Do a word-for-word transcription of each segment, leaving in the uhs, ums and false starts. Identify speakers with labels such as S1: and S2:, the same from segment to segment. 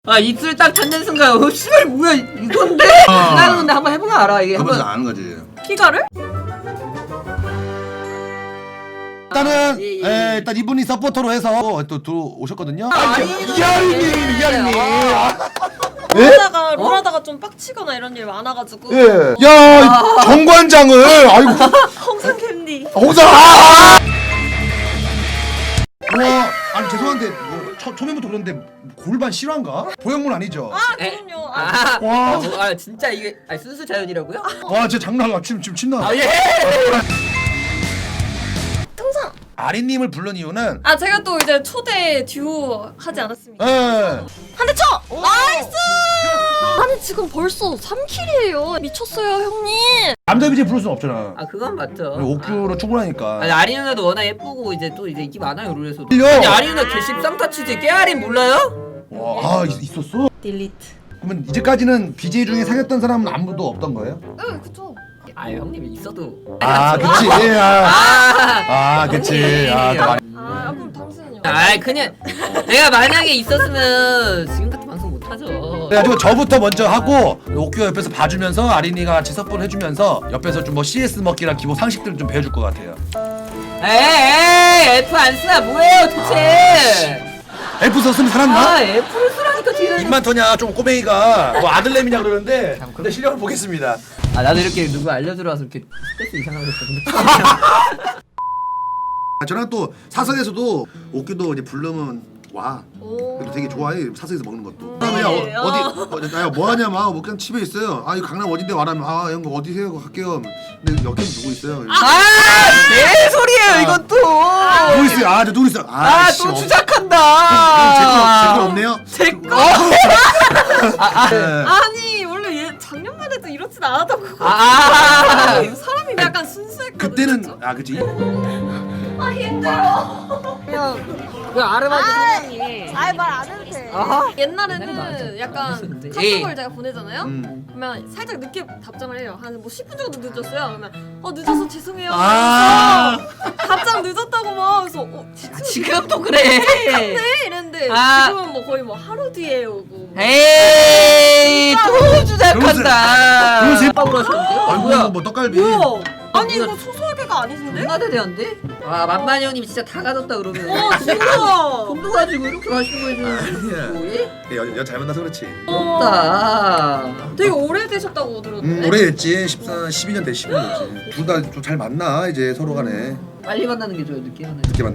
S1: 아 입술 딱 닿는 순간 어 씨발 뭐야 이건데?
S2: 아.
S1: 나는 근데 한번 해보면 알아 이게.
S2: 그러면서
S1: 한번
S2: 아는 거지.
S3: 키가를?
S2: 일단은
S1: 예, 예.
S2: 에, 일단 이분이 서포터로 해서 또 들어오셨거든요.
S1: 아,
S2: 이하리님, 이하리님. 예?
S3: 롤하다가 롤하다가 좀 빡치거나 이런 일 많아가지고
S2: 예. 야, 정관장을 아이고.
S3: 홍상 캔디
S2: 홍사. 아! 와, 아니 죄송한데 뭐 초, 초면부터 그런데 골반 실화인가? 보형물 아니죠?
S3: 아
S1: 에?
S3: 그럼요. 아,
S1: 아,
S2: 와.
S1: 아, 뭐, 아 진짜 이게 아, 순수 자연이라고요?
S2: 와, 진짜 장난 아니야. 지금 지금 침 나.
S1: 아 예.
S3: 통상
S2: 아리님을 부른 이유는
S3: 아 제가 또 이제 초대 듀오 하지 않았습니까?
S2: 예.
S3: 한 대 쳐! 나이스! 아니 지금 벌써 삼 킬이에요 미쳤어요 형님.
S2: 남자 비제 부를 수는 없잖아.
S1: 아 그건 맞죠.
S2: 옥규로 충분하니까.
S1: 아니 아리 누나도 워낙 예쁘고 이제 또 이제 인기 많아요 롤에서도.
S2: 틀려.
S1: 아니 아리 누나 개십쌍타치지 깨알인 몰라요?
S2: 와, 아 있, 있었어?
S3: 딜리트.
S2: 그러면 이제까지는 비제이 중에 사귀었던 사람은 아무도 없던 거예요?
S3: 네 그쵸.
S1: 아 형님이 있어도.
S2: 아, 그치. 예, 아,
S1: 아.
S2: 아, 그치. 아, 또 많이.
S3: 아 그럼 당신은요?
S1: 아 그냥 내가 만약에 있었으면 지금 같은 방송 못 하죠.
S2: 그래가지고 저부터 먼저 하고 옥규가 옆에서 봐주면서 아린이가 같이 섭분 해주면서 옆에서 좀 뭐 씨에스 먹기랑 기본 상식들을 좀 배워줄 것 같아요.
S1: 에이 F 안 쓰나 뭐예요 도대체?
S2: F 썼으면 살았나?
S1: 아 F를 쓰라니까 뒤를.
S2: 입만 터냐 좀 꼬맹이가 뭐 아들내미냐 그러는데 근데 실력을 보겠습니다.
S1: 아 나도 이렇게 누구 알려들어와서 이렇게 스트레스 이상하게 했거든.
S2: 아, 저랑 또 사석에서도 옥규도 이제 부르면 와.
S3: 오.
S2: 그래도 되게 좋아해 사석에서 먹는 것도.
S3: 네.
S2: 그러면 야, 어, 어디 어, 야 뭐하냐 막 뭐 그냥 집에 있어요. 아 이거 강남 어딘데 와라면 아 형 어디세요 갈게요. 근데 여기 누구 있어요?
S1: 아내 소리예요 이건 또.
S2: 누구 있어요? 아저 누구 있어?
S1: 아또
S2: 어.
S1: 주작한다.
S2: 제거 없네요.
S1: 제 거.
S2: 네.
S3: 아니 원래 얘 작년만 해도 이렇진 않았다고.
S1: 아.
S3: 사람이 약간 순수했거든.
S2: 그때는
S3: 진짜.
S2: 아 그치.
S3: 아 힘들어.
S1: 그냥 그 아르바이트 사장님.
S3: 아예 말 안 해도 돼.
S1: 아하.
S3: 옛날에는
S1: 옛날에 말하죠.
S3: 약간
S1: 했었는데.
S3: 카톡을
S1: 예.
S3: 제가 보내잖아요.
S2: 음.
S3: 그러면 살짝 늦게 답장을 해요. 한 뭐 십 분 정도 늦었어요. 그러면 어 늦어서 죄송해요.
S2: 아.
S3: 그래서 답장 늦었다고 막 그래서 어
S1: 아, 지금도 그래.
S3: 네 이랬는데
S1: 아.
S3: 지금은 뭐 거의 뭐 하루 뒤에 오고.
S1: 에이 또 주작한다.
S2: 그러세요?
S1: 빡으로 하셨는데요?
S2: 아이고
S1: 뭐야?
S2: 뭐 떡갈비.
S3: 뭐야? 아니
S1: 뭐야?
S3: 이거 소소하게가 아니신데?
S1: 존나 대대한데? 아 만만이 형님 진짜 다 가졌다 그러면.
S3: 어 진짜.
S1: 돈도 가지고 이렇게 하시는 거지. 뭐, 예?
S2: 여, 여 잘 만나서 그렇지.
S1: 없다.
S3: 되게 오래되셨다고 들었는데.
S2: 음, 오래 했지. 십사, 십이 년 돼, 십이 년 됐지. 둘 다 좀 잘 만나 이제 서로 간에.
S1: 빨리 만나는 게 좋아요 늦게 만나는 게.
S2: 늦게 만나.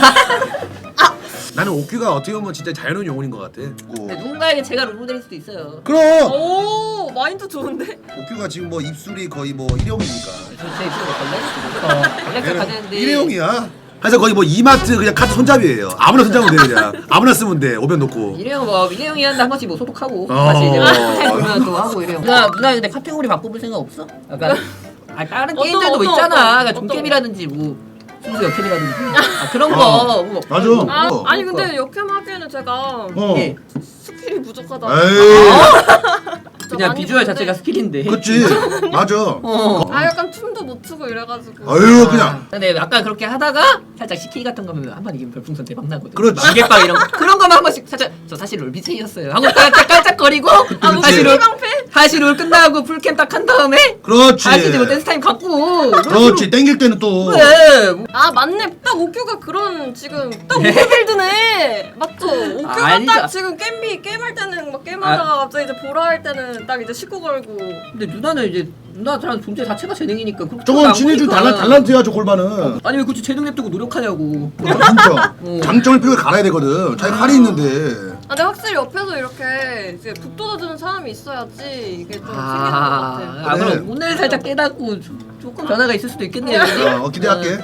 S2: 나는 옥규가 어떻게 보면 진짜 자연스러운 영혼인 것 같아.
S1: 근데 누군가에게 제가 롤모델일 수도 있어요.
S2: 그럼
S3: 오 마인드 좋은데?
S2: 옥규가 지금 뭐 입술이 거의 뭐 일회용이니까.
S1: 저제 입술에 걸레? 걸레가 가는데.
S2: 일회용이야. 그래서 거의 뭐 이마트 그냥 카드 손잡이에요. 아무나 손잡으면 돼 그냥. 아무나 쓰면 돼. 오변 놓고.
S1: 일회용 뭐 일회용이 한데 한 번씩 뭐 소독하고
S2: 어.
S1: 다시 이제 타임 보면 또 하고 일회용. 누나 누나 근데 카테고리 바꿔볼 생각 없어? 약간 아 다른
S3: 어떤,
S1: 게임들도 뭐
S3: 어떤,
S1: 있잖아.
S3: 어떤,
S1: 그러니까
S3: 어떤
S1: 종캡이라든지 뭐 순수 역캡이라든지 아 그런 거.
S2: 어.
S1: 뭐.
S2: 맞아.
S3: 아
S2: 어.
S3: 아니 근데 역캠 하기에는 제가
S2: 어.
S1: 예.
S3: 스킬이 부족하다.
S2: 에이.
S1: 그냥
S3: 많이
S1: 비주얼
S3: 보는데.
S1: 자체가 스킬인데.
S2: 그치. 맞아.
S1: 어.
S3: 아 약간 춤도 못 추고 이래가지고.
S2: 아유 그냥.
S1: 근데 약간 그렇게 하다가 살짝 시키 같은 거면 한 번 이기면 별풍선 대박 나거든.
S2: 그렇지.
S1: 만개빵 이런 거 그런 거만 한 번씩 살짝 저 사실 롤 비제이였어요. 하고 깜짝 깜짝거리고
S3: 아뭐
S1: 다시 롤
S3: 방패?
S1: 다시 롤 끝나고 풀캠 딱 한 다음에
S2: 그렇지.
S1: 다시 이제 뭐 댄스 타임 갖고.
S2: 그렇지. 땡길 때는 또.
S1: 그래. 뭐.
S3: 아 맞네. 딱 옥규가 그런 지금 딱 옥규 빌드네. 맞죠? 옥규가
S1: 아니죠.
S3: 딱 지금 게임비 게임할 때는 막 게임하다가 갑자기 이제 보라 할 때는 딱 이제 식구 걸고.
S1: 근데 누나는 이제 누나랑 존재 자체가 재능이니까 그렇게
S2: 저건
S1: 안
S2: 진해준
S1: 보니까.
S2: 달란 달란트야 저 골반은.
S1: 아니 왜 굳이 재능 냅두고 노력하냐고.
S2: 진짜.
S1: 어.
S2: 장점을 뼈에 갈아야 되거든. 자기 칼이 있는데.
S3: 아 근데 확실히 옆에서 이렇게 이제 북돋아주는 사람이 있어야지 이게 좀 생기는 것
S1: 아,
S3: 같아.
S1: 아
S2: 그래.
S1: 그럼 오늘 살짝 깨닫고 조- 조금 변화가 있을 수도 있겠네요.
S2: 어, 어, 기대할게.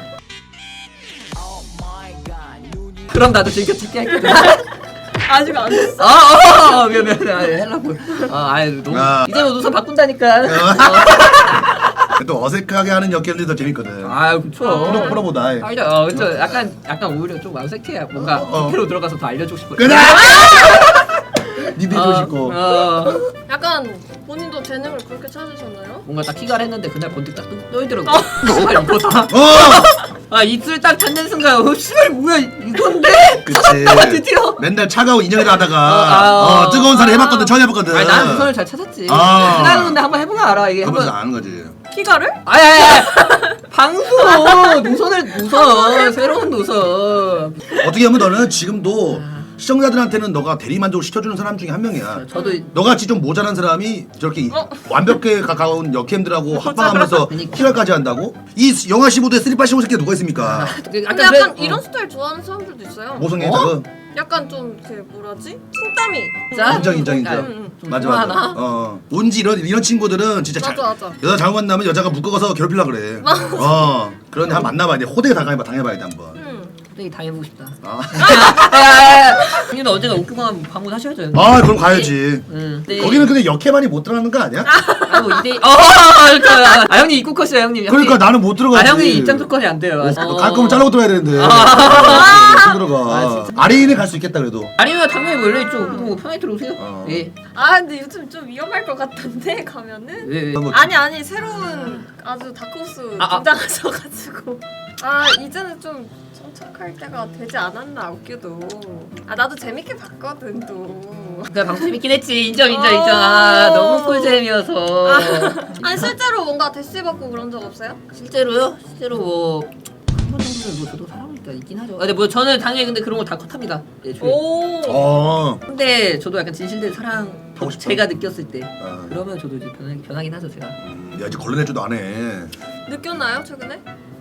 S1: 그럼 나도 즐겨찾기 할게.
S3: 아직 안 했어.
S1: 아, 어, 미안, 미안, 아, 하려고. 아, 아유, 너무.
S2: 아.
S1: 이제 뭐 노선 바꾼다니까.
S2: 또 어색하게 하는 역할들이 더 재밌거든.
S1: 아, 그쵸.
S2: 프로 프로보다.
S1: 아니죠, 어, 그쵸. 약간, 약간 오히려 좀 어색해야 뭔가
S2: 어.
S1: 디테로 들어가서 더 알려주고 싶어요.
S2: 그래. 니들 해주고 싶고.
S1: 어.
S3: 약간 본인도 재능을 그렇게 찾으셨나요?
S1: 뭔가 딱 키가를 했는데 그날 번뜩 딱 떠있더라고. 씨발 이거다.
S2: 어!
S1: 아 입술 딱 닿는 순간 어 씨발 뭐야 이건데?
S2: 그치.
S1: 찾았다 드디어.
S2: 맨날 차가운 인형이라 하다가
S1: 어, 아,
S2: 어, 뜨거운 살을 해봤거든. 처음 해봤거든.
S1: 아니 나는 그걸 잘 찾았지.
S2: 아.
S1: 그날은 근데 한번 해보면 알아 이게
S2: 그러면서
S1: 한번.
S2: 아는 거지.
S3: 키가를?
S1: 아야야 방송 노선을 노선 새로운 노선.
S2: 어떻게 보면 너는 지금도 시청자들한테는 너가 대리만족을 시켜주는 사람 중에 한 명이야.
S1: 저도
S2: 너같이 좀 모자란 사람이 저렇게
S3: 어?
S2: 완벽에 가까운 여캠들하고 합방하면서
S1: 그러니까.
S2: 키갈까지 한다고? 이 영하 십오 도에 쓰리팔 십오 새끼가 누가 있습니까?
S3: 근데
S1: 아까
S3: 약간
S1: 그래-
S3: 이런
S1: 어.
S3: 스타일 좋아하는 사람들도 있어요.
S2: 모성애
S1: 어?
S2: 저거?
S3: 약간 좀 그 뭐라지? 칭땀이.
S1: 짜?
S2: 인정 인정 인정.
S1: 아,
S3: 음, 음.
S2: 맞아 맞아.
S1: 좋아하나?
S2: 어 온지 이런 이런 친구들은 진짜 잘,
S3: 맞아, 맞아.
S2: 여자 잘못 만나면 여자가 묶어서 괴롭히려 그래. 어 그런 데 한번 만나봐야 돼. 호되게 당해봐 당해봐야 돼 한번.
S3: 음.
S1: 되게 당해보고 싶다.
S2: 아,
S1: 형님도 언젠가 옥규방 방문하셔야죠. 형님.
S2: 아 그럼 가야지.
S1: 응. 네.
S2: 거기는 근데 역해만이 못 들어가는 거 아니야?
S1: 아이고 이대. 어. 그러니까 아 형님 입국 컷이야 형님.
S2: 그러니까
S1: 형님.
S2: 나는 못
S1: 아
S2: 들어가지.
S1: 형님 입장 조건이 안 돼요.
S2: 어, 갈 거면 잘라고 들어야 되는데. 못
S1: 아,
S2: 들어가. 아래인에 갈 수 있겠다 그래도.
S1: 아니면 당연히 뭐 열려 있죠. 뭐 편하게 들어오세요.
S2: 어.
S1: 예.
S3: 아 근데 요즘 좀 위험할 것 같던데 가면은.
S1: 왜 왜?
S2: 뭐,
S3: 아니 아니 새로운 아주 다크호스
S1: 아, 아.
S3: 등장하셔가지고 아 이제는 좀 정착할 때가 되지 않았나 웃겨도 아 나도 재밌게 봤거든 또.
S1: 그 방송 재밌긴 했지. 인정 인정 인정. 아 너무 꿀잼이어서.
S3: 아니 실제로 뭔가 대시 받고 그런 적 없어요?
S1: 실제로요? 실제로 뭐. 한 번 정도는 뭐 저도 사람이니까 있긴 하죠. 아, 근데 뭐 저는 당연히 근데 그런 거 다 컷합니다. 예, 조용히.
S3: 오.
S2: 어.
S1: 근데 저도 약간 진실된 사랑
S2: 하고 싶어?
S1: 제가 느꼈을 때
S2: 어.
S1: 그러면 저도 이제 변하, 변하긴 하죠 제가.
S2: 음, 야 이제 걸러내지도 안 해.
S3: 느꼈나요 최근에?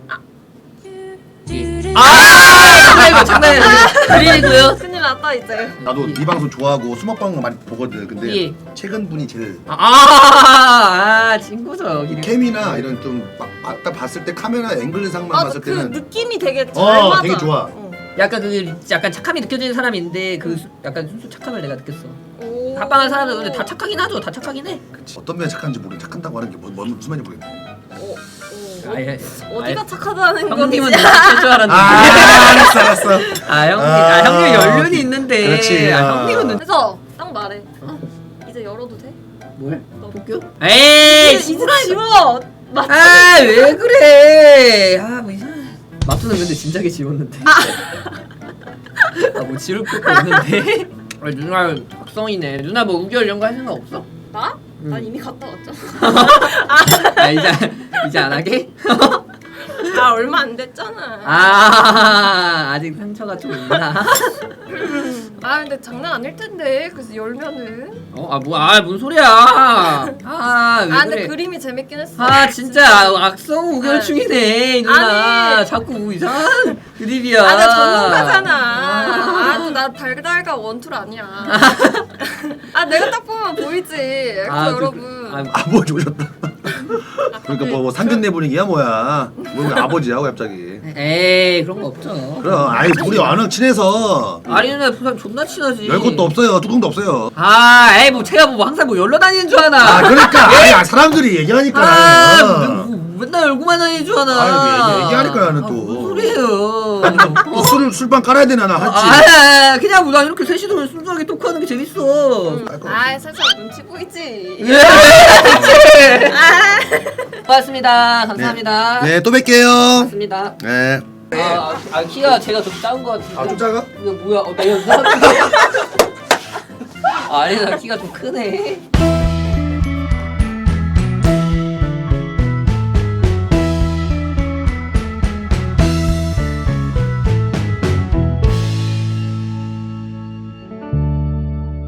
S1: 예. 아 이거 장난이에요. 그리고요.
S3: 큰일 났다 이제.
S2: 나도 네 방송 좋아하고 수먹방 많이 보거든. 근데
S1: 예.
S2: 최근 분이 제일
S1: 아, 아 친구죠. 그리고.
S2: 캠이나 이런 좀 딱 봤을 때 카메라 앵글상만
S3: 아
S2: 봤을
S3: 그
S2: 때는
S3: 느낌이 되게 잘
S2: 어,
S3: 맞아.
S2: 되게 좋아.
S3: 어.
S1: 약간 그 약간 착함이 느껴지는 사람인데 그 수- 약간 순수 착함을 내가 느꼈어.
S3: 오.
S1: 합방한 사람들 근데 다 착하긴 하죠. 다 착하긴 해.
S2: 그치. 어떤 면이 착한지 모르겠 착한다고 하는 게 뭐, 뭔 무슨 말인지 모르겠네.
S3: 오. 오.
S1: 아예
S3: 어디가 착하다는 건지.
S1: 형님은 너무 착할 줄 알았는데.
S2: 아 알았어 알았어.
S1: 아 형님,
S2: 아,
S1: 아, 형님 연륜이 있는데.
S2: 그렇지,
S1: 아,
S2: 아.
S1: 형님은 눈-
S3: 그래서 딱 말해. 어, 이제 열어도 돼?
S1: 뭘? 도쿄? 에이,
S3: 이제 지워. 맞지?
S1: 아, 왜 그래? 아, 뭐 이상. 마토는 근데 진작에 지웠는데. 아, 뭐 지울 것도 없는데. 아, 누나 박성이네. 누나 뭐 우결 이런 거 할 생각 없어?
S3: 나?
S1: 응.
S3: 난 이미 갔다 왔죠.
S1: 아, 이제 이제 안 하게?
S3: 아 얼마 안 됐잖아.
S1: 아, 아직 상처가 좀 있나?
S3: 아 근데 장난 아닐 텐데 그래서 열면은.
S1: 어, 아, 뭐, 아, 뭔 소리야? 아, 왜
S3: 아 근데
S1: 그래?
S3: 그림이 재밌긴 했어.
S1: 아 진짜 아, 악성 우결충이네 이 누나.
S3: 아니.
S1: 자꾸 뭐 이상한 드립이야.
S3: 아, 나 전문가잖아.
S1: 아.
S3: 아, 또 나 달달가 원툴 아니야. 아, 내가 딱 보면 보이지. 그래서
S1: 아, 그-
S3: 여러분.
S1: 아,
S2: 아버지 오셨다. 그러니까 뭐, 뭐 상견례 분위기야 뭐야? 뭐 아버지야 왜 갑자기?
S1: 에이 그런 거 없죠.
S2: 그럼 아이 우리 워낙 친해서
S1: 아니 누나 부산 존나 친하지.
S2: 열 것도 없어요. 뚜껑도 없어요.
S1: 아, 에이 뭐 제가 뭐 항상 뭐 열러 다니는 줄 아나.
S2: 아 그러니까 아니 아, 사람들이 얘기하니까
S1: 아,
S2: 나는.
S1: 뭐, 맨날 열고만 다니는 줄 아나.
S2: 아유, 얘기- 얘기하니까 나는
S1: 아,
S2: 또.
S1: 무슨 소리예요?
S2: 또 술을 술방 깔아야 되나 나
S1: 아,
S2: 할지.
S1: 아, 그냥 뭐 나 이렇게 셋이서 순수하게 토크하는 게 재밌어.
S3: 음. 아, 살짝 눈치 보이지.
S1: 예. 고맙습니다. 감사합니다.
S2: 네, 또 뵐게요.
S1: 고맙습니다.
S2: 네.
S1: 아, 아, 아 키가 제가 좀 작은 것 같은데.
S2: 아, 좀 작아?
S1: 이거 뭐야? 어, 나 연상. 아, 아니 나 키가 좀 크네.